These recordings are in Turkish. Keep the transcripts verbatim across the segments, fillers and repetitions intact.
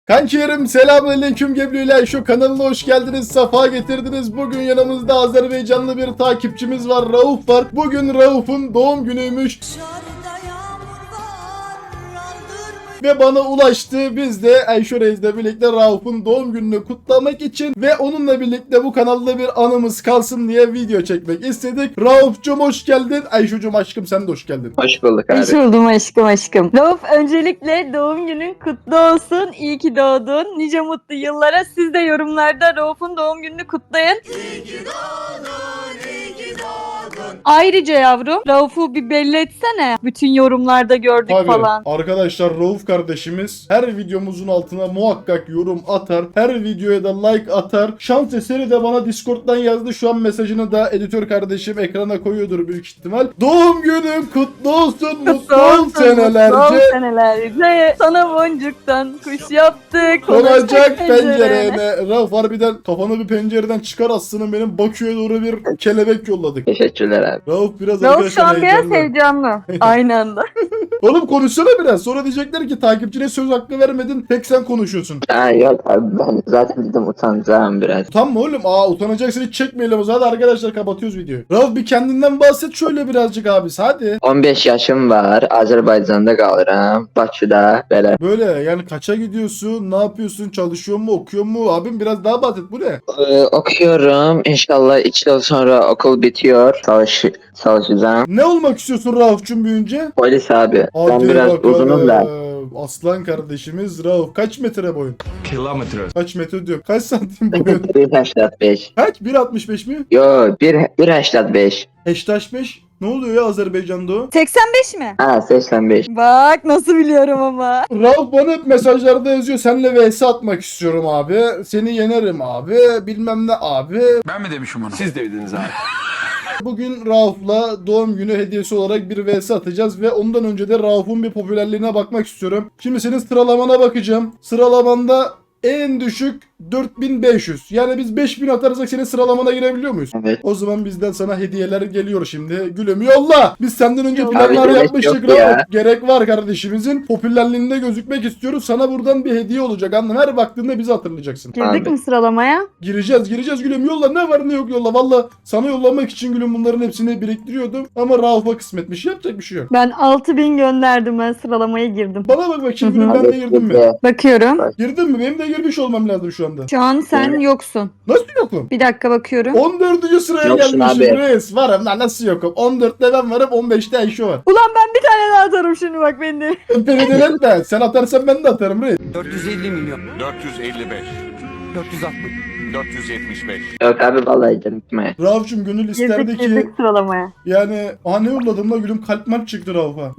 Kankilerim selamünaleyküm Gebriyle şu kanalına hoş geldiniz, safa getirdiniz. Bugün yanımızda Azerbaycanlı bir takipçimiz var, Rauf var. Bugün Rauf'un doğum günüymüş. Ve bana ulaştı. Biz de Ayşe Reis'le birlikte Rauf'un doğum gününü kutlamak için ve onunla birlikte bu kanalda bir anımız kalsın diye video çekmek istedik. Rauf'cum hoş geldin. Ayşe'cum aşkım sen de hoş geldin. Hoş bulduk abi. Hoş buldum aşkım aşkım. Rauf, öncelikle doğum günün kutlu olsun. İyi ki doğdun. Nice mutlu yıllara. Siz de yorumlarda Rauf'un doğum gününü kutlayın. İyi ki doğdun, iyi ki doğdun. Ayrıca yavrum, Rauf'u bir belli etsene. Bütün yorumlarda gördük Tabii. falan. Arkadaşlar Rauf kardeşimiz her videomuzun altına muhakkak yorum atar. Her videoya da like atar. Şans eseri de bana Discord'dan yazdı. Şu an mesajını da editör kardeşim ekrana koyuyordur büyük ihtimal. Doğum günün kutlu olsun. Mutlu ol senelerce. Mutlu ol senelerce. Sana boncuktan kuş yaptık. Konacak pencerene. Rauf harbiden kafanı bir pencereden çıkar aslında, benim Bakü'ye doğru bir kelebek yolladık. Teşekkürler abi. Rauf biraz Rauf şu an biraz heyecanlı. heyecanlı. Aynı anda. Oğlum konuşsana biraz. Sonra diyecekler ki takipçine söz hakkı vermedin. Tek sen konuşuyorsun. Ha yok abi, ben zaten dedim utanacağım biraz. Utanma oğlum. Aa utanacaksın, hiç çekmeyelim o zaman. Hadi arkadaşlar kapatıyoruz videoyu. Rauf bir kendinden bahset şöyle birazcık abisi hadi. on beş yaşım var. Azerbaycan'da kalırım. Bakü'de böyle. Böyle yani kaça gidiyorsun? Ne yapıyorsun? Çalışıyor mu? Okuyor mu? Abim biraz daha bahset. Bu ne? Ee, okuyorum. İnşallah iki yıl sonra okul bitiyor. Çalış çalışacağım. Ne olmak istiyorsun Rauf'cum büyüyünce? Polis abi. Ben Hadi biraz bakalım. uzunum da. Aslan kardeşimiz Rauf. Kaç metre boyun? Kilometre. Kaç metre diyorum. Kaç santim boyun? bir seksen beş. Kaç? bir altmış beş mi? Yo bir seksen beş. Heştaş beş. Ne oluyor ya Azerbaycan'da o? seksen beş mi? Ha seksen beş. Bak nasıl biliyorum ama. Rauf bana hep mesajlarda yazıyor. Seninle vs atmak istiyorum abi. Seni yenerim abi. Bilmem ne abi. Ben mi demişim onu? Siz dediniz abi. Bugün Rauf'la doğum günü hediyesi olarak bir vs atacağız ve ondan önce de Rauf'un bir popülerliğine bakmak istiyorum. Şimdi senin sıralamana bakacağım. Sıralamanda en düşük dört bin beş yüz. Yani biz beş bin atarsak senin sıralamana girebiliyor muyuz? Evet. O zaman bizden sana hediyeler geliyor şimdi. Gülüm yolla. Biz senden önce Abi planlar gerek yapmıştık yok ya. Rauf. Gerek var kardeşimizin. Popülerliğinde gözükmek istiyoruz. Sana buradan bir hediye olacak. Anladın? Her baktığında bizi hatırlayacaksın. Girdik Abi. mi sıralamaya? Gireceğiz gireceğiz gülüm, yolla, ne var ne yok yolla. Valla sana yollamak için gülüm bunların hepsini biriktiriyordum. Ama Rauf'a kısmetmiş, yapacak bir şey yok. Ben altı bin gönderdim, ben sıralamaya girdim. Bana bak bakayım Hı hı. gülüm, ben de girdim mi? Bakıyorum. Girdin mi? Benim de girmiş olmam lazım şu anda. Şu an sen yoksun. Nasıl yokum? Bir dakika bakıyorum. on dördüncü sıraya Yoksun gelmişim abi. reis. Varım lan, nasıl yokum? on dörtte ben varım, on beşte Ayşe var. Ulan ben bir tane daha atarım şimdi bak beni. Beni delirtme. Sen atarsan ben de atarım reis. dört yüz elli milyon. dört yüz elli beş, dört yüz altmış. dört yüz yetmiş beş. Yok abi vallahi canım gitmeye. Rauf'cum gönül isterdi Girdik ki girdik sıralamaya. yani aha ne yolladım la gülüm, kalp mark çıktı Rauf'a.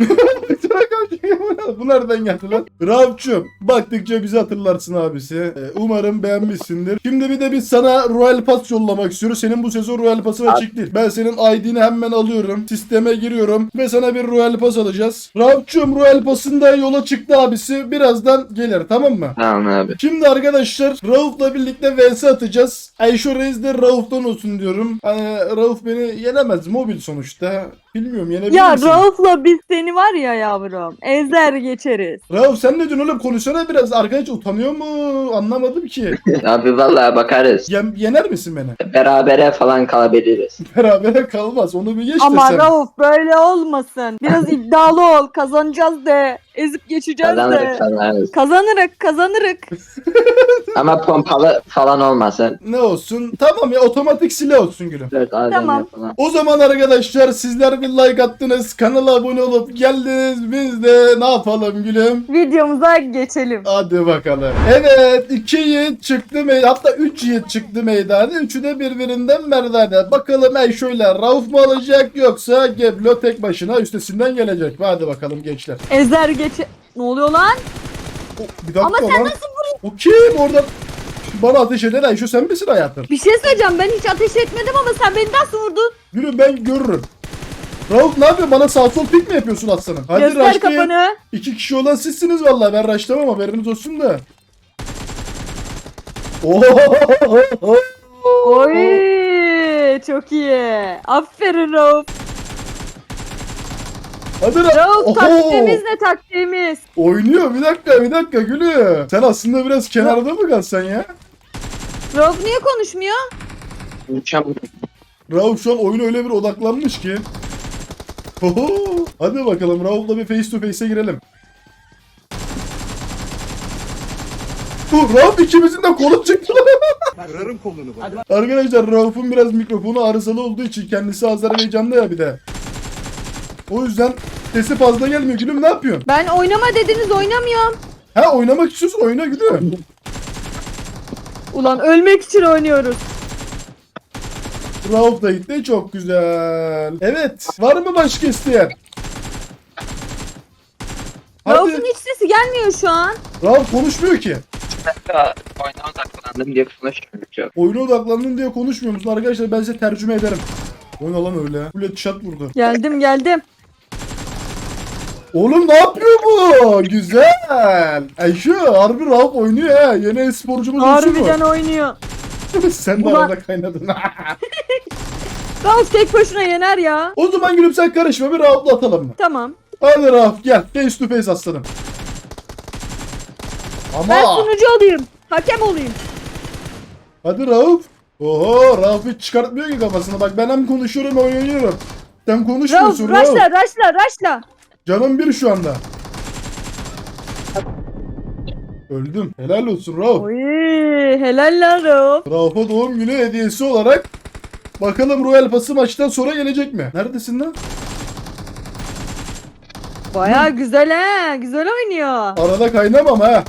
Bu nereden geldi lan? Rauf'cum baktıkça bizi hatırlarsın abisi. Ee, Umarım beğenmişsindir. Şimdi bir de biz sana Royal Pass yollamak istiyoruz. Senin bu sezon Royal Pass'ın açık değil. Ben senin I D'ni hemen alıyorum. Sisteme giriyorum ve sana bir Royal Pass alacağız. Rauf'cum Royal Pass'ın da yola çıktı abisi. Birazdan gelir, tamam mı? Tamam abi. Şimdi arkadaşlar Rauf'la birlikte vs atacağız. Ayşe Reis de Rauf'tan olsun diyorum. Hani Rauf beni yenemez, mobil sonuçta. Bilmiyorum, yenebilir Ya misin? Rauf'la biz seni var ya yavrum. Ezer geçeriz. Rauf sen ne diyorsun oğlum, konuşsana biraz. Arkadaş utanıyor mu? Anlamadım ki. Abi vallahi bakarız. Yen- yener misin beni? Berabere falan kalabiliriz. Berabere kalmaz, onu bir geç Ama desem. Rauf böyle olmasın. Biraz iddialı ol. Kazanacağız de. Ezip geçeceğiz Kazanırız de. kazanırız. Kazanırık kazanırık. Ama pompalı falan olmasın. Ne olsun? Tamam ya, otomatik silah olsun gülüm. Dört A V M Tamam. falan. O zaman arkadaşlar sizler bir like attınız, kanala abone olup geldiniz. Biz de ne yapalım gülüm? Videomuza geçelim. Hadi bakalım. Evet, iki yiğit çıktı meydana. Hatta üç yiğit çıktı meydana. Üçü de birbirinden merdane. Bakalım ey şöyle Rauf mu alacak yoksa Geblo tek başına üstesinden gelecek. Hadi bakalım gençler. Ezer geç... Ne oluyor lan? O, bir dakika Ama sen lan. nasıl O kim orada? Bana ateş eden Ayşe sen misin hayatım? Bir şey söyleyeceğim, ben hiç ateş etmedim ama sen beni nasıl vurdun? Gülüm ben görürüm. Rauf ne yapıyorsun? Bana sağ sol pik mi yapıyorsun aslanım? Hadi Göster raşlayın. kafanı. İki kişi olan sizsiniz vallahi, ben raşlamam, haberiniz olsun da. Oo! Oy çok iyi. Aferin Rauf. Hadi Rauf. Rauf Oho! taktiğimiz ne taktiğimiz? Oynuyor bir dakika bir dakika gülüm. Sen aslında biraz kenarda mı kalsan ya? Rauf niye konuşmuyor? Mükemmel. Rauf şu an oyuna öyle bir odaklanmış ki. Oho! Hadi bakalım Rauf'la bir face to face'e girelim. Bu Rauf ikimizin de kolu çıktı. Kırarım kolunu bak. Arkadaşlar Rauf'un biraz mikrofonu arızalı olduğu için kendisi Azerbaycan'da ya bir de. O yüzden sesi fazla gelmiyor. Gülüm ne yapıyorsun? Ben oynama dediniz oynamıyorum. Ha oynamak istiyorsun oyna gülüm. Ulan ölmek için oynuyoruz. Rauf da gitti çok güzel. Evet var mı başka isteyen? Rauf'un Hadi. hiç sesi gelmiyor şu an. Rauf konuşmuyor ki. Oyuna odaklandım diye konuşmuyorum. Oyuna odaklandın diye konuşmuyor musun arkadaşlar? Ben size tercüme ederim. Oyna lan öyle. Full chat vurdu. Geldim geldim. Oğlum ne yapıyor bu? Güzel. Ayşe harbi Rauf oynuyor ha. Yeni e-sporcumuz olsun mu? Harbiden oynuyor. Sen de Ulan- arada kaynadın. Rauf tek başına yener ya. O zaman gülüm sen karışma bir Rauf'la atalım mı? Tamam. Hadi Rauf gel. Face to face aslanım. Ben Ama. sunucu olayım. Hakem olayım. Hadi Rauf. Oho Rauf hiç çıkartmıyor ki kafasını. Bak ben hem konuşuyorum hem oynuyorum. Sen Rauf konuşmuyorsun Rauf. raşla raşla raşla. Canım bir şu anda. Öldüm. Helal olsun Rauf. Oy helal lan Rauf. Rauf'a doğum günü hediyesi olarak bakalım Royal Pass'ı maçtan sonra gelecek mi? Neredesin lan? Baya güzel ha. Güzel oynuyor. Arada kaynamam ha.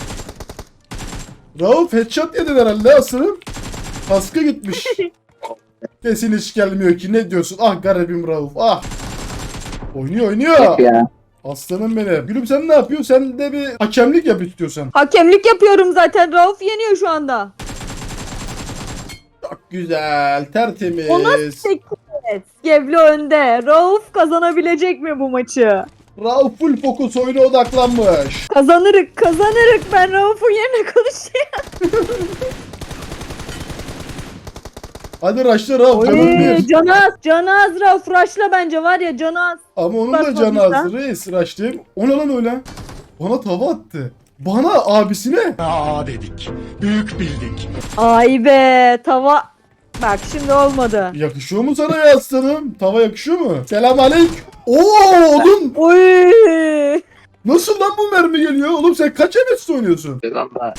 Rauf headshot yedin herhalde asırım. Kaskı gitmiş. Kesin hiç gelmiyor ki. Ne diyorsun? Ah garibim Rauf. Ah. Oynuyor oynuyor. Ya. Aslanım benim. Gülüm sen ne yapıyorsun? Sen de bir hakemlik yap istiyorsan. Hakemlik yapıyorum zaten. Rauf yeniyor şu anda. Çok güzel. Tertemiz. O nasıl sekiz? Gevli önde. Rauf kazanabilecek mi bu maçı? Rauf full fokus oyuna odaklanmış. Kazanırık kazanırık. Ben Rauf'un yerine konuşayım. Hadi raşla Rauf. Canım Oy bir. Canaz. Canaz Rauf. Raşla bence var ya Canaz. Ama onun Bak da canı bakmışlar. az. Reis raşlayayım. O ne lan öyle? Bana tava attı. Bana abisine. Aa dedik. Büyük bildik. Ay be tava. Bak şimdi olmadı. Yakışıyor mu sana ya aslanım? Tava yakışıyor mu? Selam aleyküm. Oo oğlum. Oy. Nasıl lan bu mermi geliyor? Oğlum sen kaç M S oynuyorsun? Valla.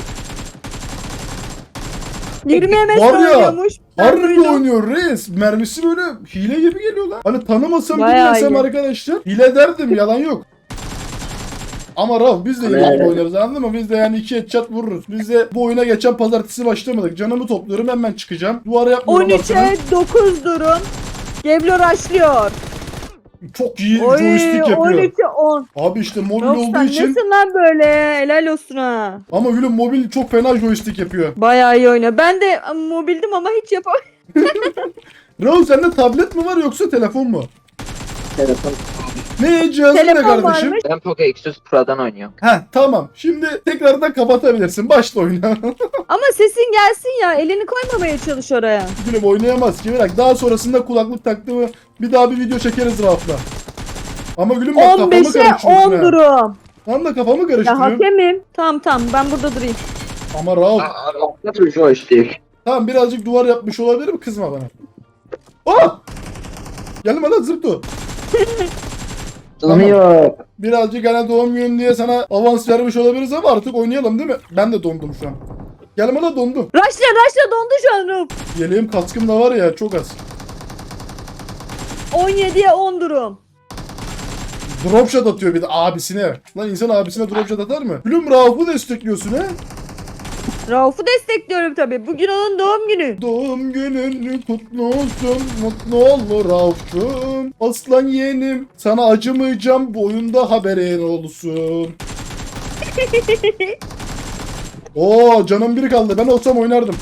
yirmi M S Var ya, oynuyormuş. Ben Harbi duydum. oynuyor reis. Mermisi böyle hile gibi geliyor lan. Hani tanımasam Bayağı bilmesem iyi. arkadaşlar. Hile derdim yalan yok. Ama Rauf biz de hile Evet. gibi oynarız anladın mı? Biz de yani iki headshot vururuz. Biz de bu oyuna geçen pazartesi başlamadık. Canımı topluyorum hemen çıkacağım. Duvara yapmıyorum on aslında. üçe dokuz durum. Geblo raşlıyor. Çok iyi Oy joystick yapıyor. on üçe on. Abi işte mobil Rauf olduğu sen için. nesin lan böyle? Helal olsun ha. Ama gülüm mobil çok fena joystick yapıyor. Bayağı iyi oynuyor. Ben de mobildim ama hiç yapamadım. Rauf sende tablet mi var yoksa telefon mu? Telefon. Ne cihazın ne Telefon kardeşim? varmış. Ben Poco X yüz Pro'dan oynuyorum. Heh tamam. Şimdi tekrardan kapatabilirsin. Başla oyna. Ama sesin gelsin ya. Elini koymamaya çalış oraya. Gülüm oynayamaz ki. Bırak. Daha sonrasında kulaklık taktığımı bir daha bir video çekeriz Rauf'la. Ama gülüm bak kafamı on beşe karıştırıyorsun on ha. durum. Tam da kafamı Ya karıştırıyorum. hakemim. Tamam tamam ben burada durayım. Ama Rauf. Nasıl joystick? Tamam birazcık duvar yapmış olabilirim. Kızma bana. Oh! Gelme lan zırto. Donuyor. Birazcık hani doğum günün diye sana avans vermiş olabiliriz ama artık oynayalım değil mi? Ben de dondum şu an. Gelme lan dondum. Raşla raşla dondu şu an Rauf. Yeleğim kaskım da var ya çok az. on yediye on durum. Dropshot atıyor bir de abisine. Lan insan abisine dropshot atar mı? Gülüm Rauf'u destekliyorsun he? Rauf'u destekliyorum tabii. Bugün onun doğum günü. Doğum günün kutlu olsun, mutlu ol Rauf'cum. Aslan yeğenim, sana acımayacağım, bu oyunda haberin olsun. Oo canım biri kaldı, ben olsam oynardım.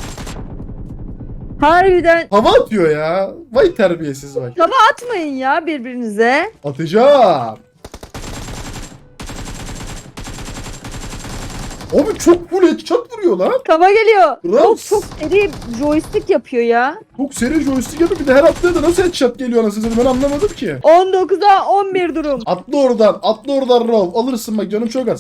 Harbiden Hava atıyor ya. Vay terbiyesiz vay. tava atmayın ya birbirinize. Atacağım. Abi çok full headshot vuruyor lan. Tava geliyor. Rauf. Rauf çok seri joystick yapıyor ya. Çok seri joystick yapıyor. Bir de her attığı da nasıl headshot geliyor anasını satayım, ben anlamadım ki. on dokuza on bir durum. Atla oradan. Atla oradan Rauf. Alırsın bak, canım çok az.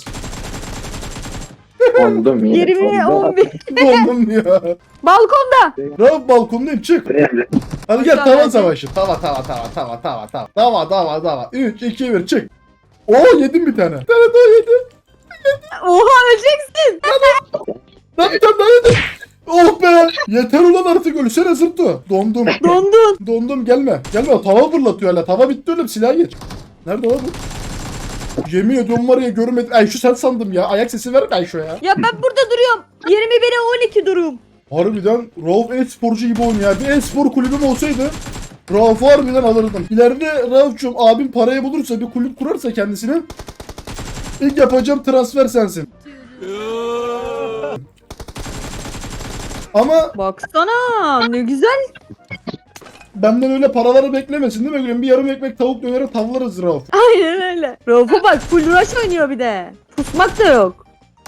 Ondum yine. yirmi Ondum. on bir. Dondum ya. Balkonda. Rauf balkondayım, çık. Hadi gel, Aşağı tava bence. savaşı. Tava tava tava tava tava tava. Tava tava tava. üç iki bir çık. Oo, yedim bir tane. Bir tane daha yedim. Oha öleceksin. Lan bir tane daha yedim. Oh be. Yeter ulan artık, ölsene zırtı. Dondum. Dondun. Dondum, gelme. Gelme, tava fırlatıyor hala. Tava bitti oğlum, silah geç. Nerede lan bu? Yemin ediyorum var ya, görmedim. Ay şu sen sandım ya. Ayak sesi ver ben şu ya. Ya ben burada duruyorum. yirmi bire on iki durum. Harbiden Rauf e-sporcu gibi oynuyor ya. Bir e-spor kulübüm olsaydı Rauf'u harbiden alırdım. İleride Rauf'cum abim parayı bulursa, bir kulüp kurarsa kendisine, ilk yapacağım transfer sensin. Ama Baksana ne güzel. benden öyle paraları beklemesin değil mi gülüm? Bir yarım ekmek tavuk döneri tavlarız Rauf. Aynen öyle. Rauf'a bak full rush oynuyor bir de. Pusmak da yok.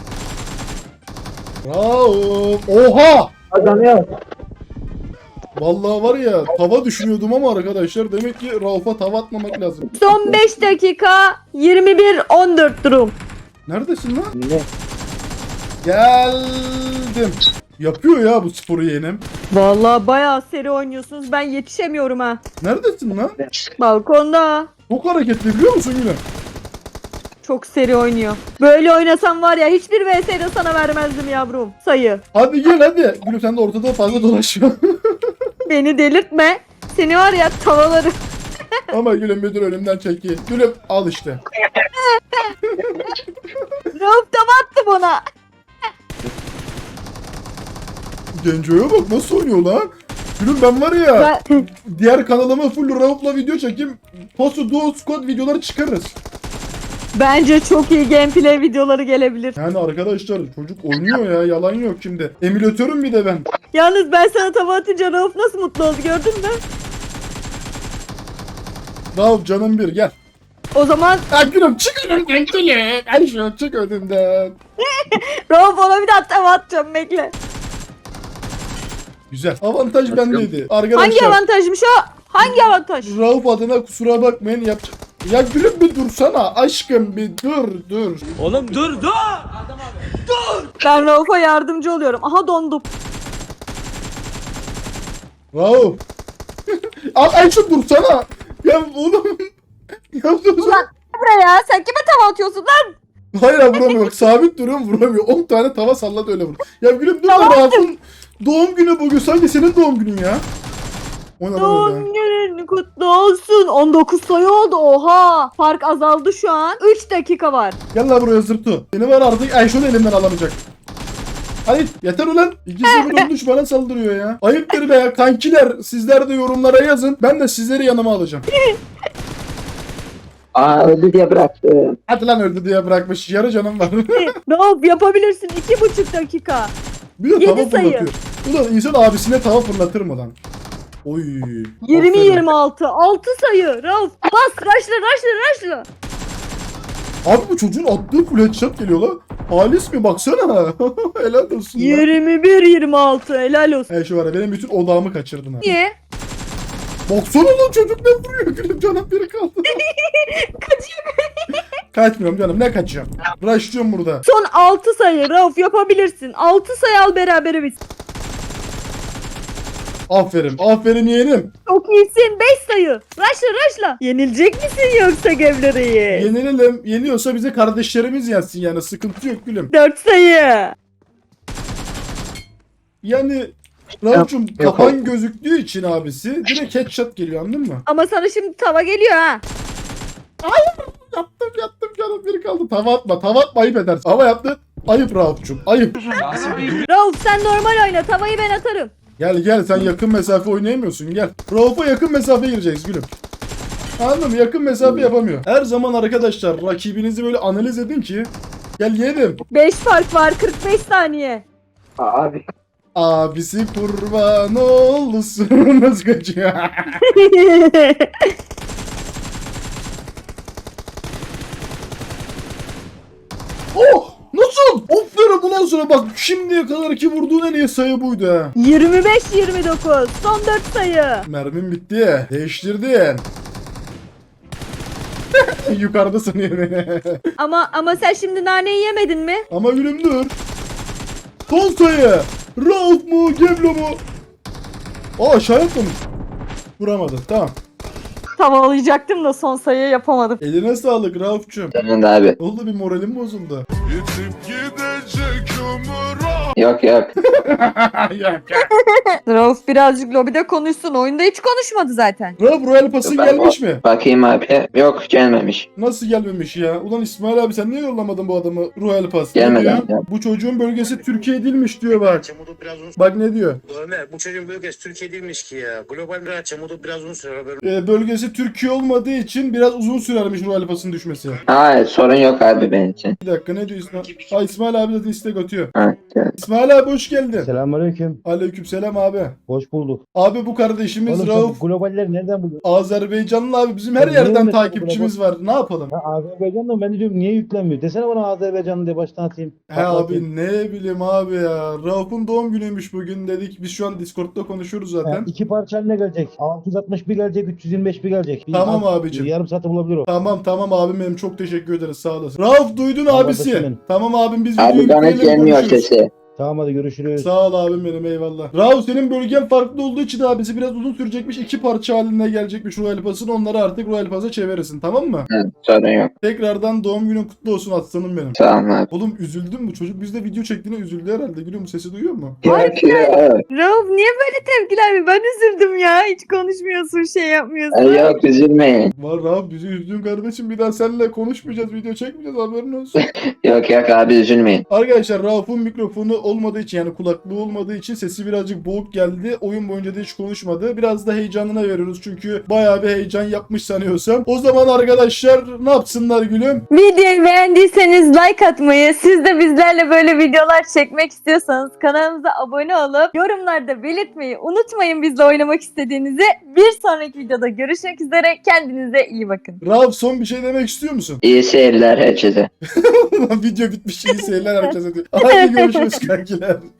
Rauf. Oha! Kazanıyor. Vallahi var ya, tava düşünüyordum ama arkadaşlar, demek ki Rauf'a tava atmamak lazım. Son beş dakika yirmi bir on dört durum. Neredesin lan? Ne? Geldim. Yapıyor ya bu sporu yeğenim. Vallahi bayağı seri oynuyorsunuz. Ben yetişemiyorum ha. Neredesin lan? Balkonda. Çok hareketli, biliyor musun Gülüm? Çok seri oynuyor. Böyle oynasam var ya hiçbir V S'de sana vermezdim yavrum. Sayı. Hadi gel hadi. Gülüm sen de ortada fazla dolaşma. Beni delirtme. Seni var ya tavalarım. Ama Gülüm müdür önümden çeki. Gülüm al işte. Rauf tava attı bana. Genco'ya bak nasıl oynuyor lan. Gülüm ben var ya, Ben... diğer kanalıma full Rauf'la video çekeyim. Postu Duo Squad videoları çıkarırız. Bence çok iyi gameplay videoları gelebilir. Yani arkadaşlar çocuk oynuyor ya, yalan yok şimdi. Emülatörüm bir de ben. Yalnız ben sana tava atınca Rauf nasıl mutlu oldu gördün mü? Rauf canım bir, gel. O zaman Ha Gülüm çık önümden Gülüm. Ay şu çık önümden. Rauf ona bir daha tava atacağım bekle. Güzel. Avantaj bendeydi. Arkadaşlar. Hangi avantajmış o? Hangi avantaj? Rauf adına kusura bakmayın, yapacak. Ya Gülüm bir dursana aşkım, bir dur dur. Oğlum dur dur. Ben Rauf'a yardımcı oluyorum. Aha dondum. Rauf. Al Ayşe dursana. Ya oğlum. Ya dur. Ulan buraya sen kime tava atıyorsun lan? Hayır abi, vuramıyor bak, sabit duruyorum, vuramıyor. on tane tava salladı öyle vur. Ya Gülüm dur da, Tamam. Rauf'un doğum günü bugün, sanki senin doğum günün ya. O ne lan Doğum öyle? günün kutlu olsun. on dokuz sayı oldu oha. Fark azaldı şu an. üç dakika var. Gel lan buraya zırtı. Seni var artık Ayşe'nin elimden alamayacak. Hayır yeter ulan. İkisi bir olmuş bana saldırıyor ya. Ayıptır be ya kankiler. Sizler de yorumlara yazın. Ben de sizleri yanıma alacağım. Aa öldü diye bıraktım. Hadi lan, öldü diye bırakmış. Yarı canım var. Rauf yapabilirsin. iki buçuk dakika. Bir de Yedi tava sayı. fırlatıyor. Ulan insan abisine tava fırlatır mı lan? Oy. yirmi aferin. yirmi altı. altı sayı. Rauf bas. Raşla raşla raşla. Abi bu çocuğun attığı full headshot geliyor lan. Halis mi baksana. Helal olsun lan. yirmi bir yirmi altı. Helal olsun. He şu var ya, benim bütün odağımı kaçırdın ha. Niye? Baksana lan, çocuk ne vuruyor, gülüm canım biri kaldı. Kaçıyor. Kaçmıyorum canım, ne kaçacağım. Rushlıyorum burada. Son altı sayı. Rauf yapabilirsin. altı sayı al berabere biz. Aferin aferin yeğenim. Çok iyisin. beş sayı. Raşla raşla. Yenilecek misin yoksa Gevlere'yi? Yenilelim. Yeniyorsa bize kardeşlerimiz yensin yani, sıkıntı yok gülüm. dört sayı. Yani Rauf'cum Yok, yok. kafan gözüktüğü için abisi direkt headshot geliyor, anladın mı? Ama sana şimdi tava geliyor ha. Yaptım yaptım canım biri kaldı. Tava atma tava atma, ayıp edersin. Ama yaptın. Ayıp Rauf'cum ayıp. Rauf sen normal oyna. Tavayı ben atarım. Gel gel, sen yakın mesafe oynayamıyorsun, gel. Rauf'a yakın mesafe gireceğiz gülüm. Anladın mı? Yakın mesafe yapamıyor. Her zaman arkadaşlar rakibinizi böyle analiz edin ki. Gel yeğenim. beş fark var. kırk beş saniye. Abi. Abisi kurban olsun. Nasıl kaçıyor? Oh! Nasıl? Lan! Aferin bundan sonra bak şimdiye kadar ki vurduğun en iyi sayı buydu ha. yirmi beş yirmi dokuz. Son dört sayı. Mermim bitti. Değiştirdin. Yukarıda sanıyor beni. Ama ama sen şimdi naneyi yemedin mi? Ama gülüm dur. Son sayı. Rauf mu? Geblo mu? Aa aşağı atlamış. Vuramadı. Tamam. Tavalayacaktım da son sayıyı yapamadım. Eline sağlık Rauf'cum. Senin de abi. Oldu bir moralim bozuldu. Yok yok. Rauf birazcık lobide konuşsun. Oyunda hiç konuşmadı zaten. Rauf Royal Pass'ın Ben gelmiş mi? Bakayım abi. Yok gelmemiş. Nasıl gelmemiş ya? Ulan İsmail abi sen niye yollamadın bu adamı Royal Pass? Ne Gelmedi diyor? abi. Bu çocuğun bölgesi Türkiye değilmiş diyor bak. Çamudu biraz uzun. Bak ne diyor? Ömer bu çocuğun bölgesi Türkiye değilmiş ki ya. Global bir çamudu biraz uzun sürer haberin. Ee, bölgesi Türkiye olmadığı için biraz uzun sürermiş Royal Pass'ın düşmesi. Hayır sorun yok abi benim için. Bir dakika ne diyor İsmail? Ha İsmail abi zaten istek atıyor. Ha, gel. İsmail abi hoş geldin. Selamünaleyküm. Aleykümselam abi. Hoş bulduk. Abi bu kardeşimiz Oğlum Rauf sen globalleri nereden buluyorsun? Azerbaycanlı abi bizim her Ya yerden niye öyle takipçimiz var. Ne yapalım? Ha, Azerbaycan'da mı? Ben de diyorum niye yüklenmiyor? Desene bana Azerbaycanlı diye baştan atayım. He Patlatayım. abi ne bileyim abi ya. Rauf'un doğum günüymüş bugün dedik. Biz şu an Discord'da konuşuyoruz Ha, zaten. iki parça haline gelecek. altı yüz altmış bir gelecek, üç yüz yirmi beş bir gelecek. Bir Tamam alt- abicim. Yarım saate bulabilir o. Tamam tamam abim benim çok teşekkür ederiz sağ olasın. Rauf duydun Tamam, abisi. kardeşim. Tamam abim biz videoyu Abi bana hiç bitirelim, gelmiyor konuşuruz. sesi. Tamam hadi görüşürüz. Sağ ol abim benim eyvallah. Rauf senin bölgen farklı olduğu için abisi biraz uzun sürecekmiş. İki parça halinde gelecekmiş Royal Pass'ın. Onları artık Royal Pass'a çevirirsin tamam mı? Ha, sorun yok. Tekrardan doğum günün kutlu olsun aslanım benim. Tamam abi. Oğlum üzüldün mü? Çocuk bizde video çektiğine üzüldü herhalde. Gülüyor mu? Sesi duyuyor mu? Yok yok. Rauf niye böyle tepkiler mi? Ben üzüldüm ya. Hiç konuşmuyorsun, şey yapmıyorsun. Ay, Yok üzülmeyin. Var Rauf bizi üzdün kardeşim. Bir daha seninle konuşmayacağız. Video çekmeyeceğiz. Haberin olsun. Yok yok abi üzülmeyin. Arkadaşlar Rauf'un mikrofonu olmadığı için yani kulaklığı olmadığı için sesi birazcık boğuk geldi. Oyun boyunca da hiç konuşmadı. Biraz da heyecanına veriyoruz çünkü bayağı bir heyecan yapmış sanıyorsam. O zaman arkadaşlar ne yapsınlar gülüm? Videoyu beğendiyseniz like atmayı, siz de bizlerle böyle videolar çekmek istiyorsanız kanalımıza abone olup yorumlarda belirtmeyi unutmayın bizle oynamak istediğinizi. Bir sonraki videoda görüşmek üzere. Kendinize iyi bakın. Rauf son bir şey demek istiyor musun? İyi seyirler herkese. Video bitmiş iyi seyirler herkese diyor. Hadi görüşürüz kankiler.